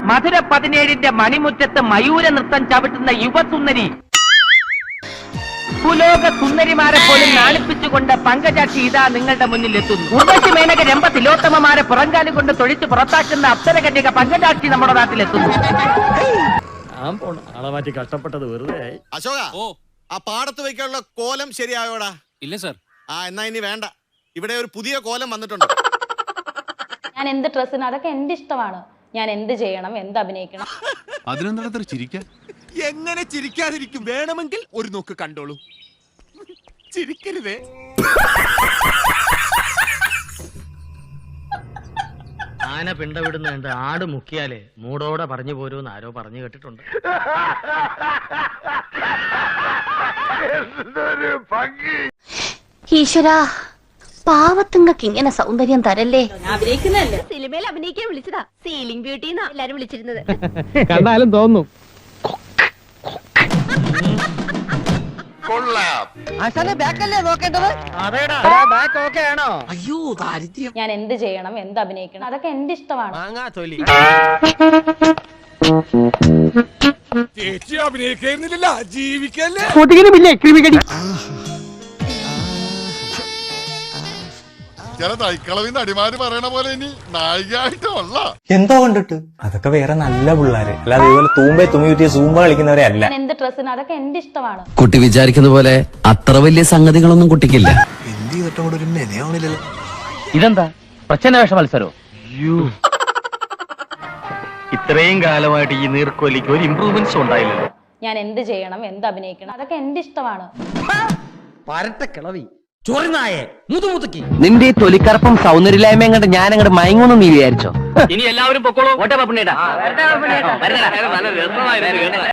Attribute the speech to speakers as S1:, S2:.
S1: മധുര 17-ന്റെ മണിമുറ്റത്ത് മയൂര നൃത്തം ചവിട്ടുന്ന യുവസുന്ദരി, ഭൂലോക സുന്ദരിമാരെ പോലും നാണിപ്പിച്ചുകൊണ്ട് പങ്കജാക്ഷി ഇതാ നിങ്ങളുടെ മുന്നിൽ എത്തുന്നു. ഉർവശി മേനക രംഭ തിലോത്തമമാരെ പുറങ്കാലം കൊണ്ട് തൊഴിച്ച് പുറത്താക്കുന്ന അപ്സരകന്യക പങ്കജാക്ഷി നമ്മുടെ നാട്ടിലെത്തുന്നു.
S2: കഷ്ടപ്പെട്ടത് വെറുതെ.
S3: അശോക, ആ പാടത്ത് വയ്ക്കാനുള്ള കോലം ശരിയായോടാ?
S4: ഇല്ല സർ.
S3: എന്നാ ഇനി വേണ്ട, ഇവിടെ ഒരു പുതിയ കോലം വന്നിട്ടുണ്ട്.
S5: ഞാൻ എന്ത് ഡ്രസ്സിന് അതൊക്കെ എന്റെ ഇഷ്ടമാണ്. ഞാൻ എന്ത് ചെയ്യണം, എന്ത് അഭിനയിക്കണം.
S6: അതിനെന്താ ചിരിക്കാൻ?
S7: എങ്ങനെ ചിരിക്കാതിരിക്കും? വേണമെങ്കിൽ ഒരു നോക്ക് കണ്ടോളൂ. ചിരിക്കരുതേ.
S8: ആന പിണ്ടവിടുന്നുണ്ട്, ആട് മുക്കിയാലേ മൂടോടെ പറഞ്ഞു പോരൂന്ന് ആരോ പറഞ്ഞു കേട്ടിട്ടുണ്ട്.
S9: ഈശ്വരാ, പാവത്തുങ്ങൾക്ക് ഇങ്ങനെ സൗന്ദര്യം തരല്ലേ.
S5: അഭിനയിക്കുന്നതല്ലേ, സിനിമയിൽ അഭിനയിക്കാൻ വിളിച്ചതാ. സീലിംഗ് ബ്യൂട്ടി എന്നാ എല്ലാരും വിളിച്ചിരുന്നത്.
S8: കണ്ടാലും തോന്നും.
S7: അയ്യോ ദാരിദ്ര്യം.
S5: ഞാൻ എന്ത് ചെയ്യണം, എന്ത് അഭിനയിക്കണം, അതൊക്കെ എന്റെ ഇഷ്ടമാണ്.
S7: ചേച്ചി അഭിനയിക്കുന്നില്ല, ജീവിക്കല്ലേ.
S6: ചില തൈക്കളവിന്ന് അടിമാര് പറയണ പോലെ ഇനി നായികയായിട്ടുള്ള
S10: എന്തോ കണ്ടിട്ട് അതൊക്കെ വേറെ നല്ല പിള്ളേര്, അല്ലാതെ ഇതുപോലെ തൂമ്പേ തുമ്മി കുറ്റിയ സൂമ്പ കളിക്കുന്നവരെ അല്ല.
S5: ഞാൻ എന്ത് ഡ്രസ്സിന് അതൊക്കെ എന്റെ ഇഷ്ടമാണ്.
S4: കുട്ടി വിചാരിക്കുന്ന പോലെ അത്ര വലിയ സംഗതികളൊന്നും കുട്ടിക്കില്ല.
S6: എന്ത് ചെയ്തിട്ടും കൂടെ ഒരു മെനയാവണില്ലല്ലോ.
S8: ഇതെന്താ പ്രച്ഛന്നവേഷ മത്സരോ? ഇത്രയും കാലമായിട്ട് ഈ നീർക്കോലിക്ക് ഒരു ഇംപ്രൂവ്മെന്റ്സ് ഉണ്ടായില്ലല്ലോ.
S5: ഞാൻ എന്ത് ചെയ്യണം, എന്ത് അഭിനയിക്കണം, അതൊക്കെ എന്റെ ഇഷ്ടമാണ്.
S8: പരട്ട കിളവി ചൊറിനായെ മുതുമുതുക്കി.
S1: നിന്റെ ഈ തൊലിക്കറപ്പും സൗന്ദര്യമില്ലായ്മയും കണ്ട് ഞാൻ അങ്ങോട്ട് മയങ്ങുന്നു നീ വിചാരിച്ചോ?
S8: ഇനി എല്ലാവരും പൊക്കോളൂ. ഓട്ട പപ്പണേട്ടാ.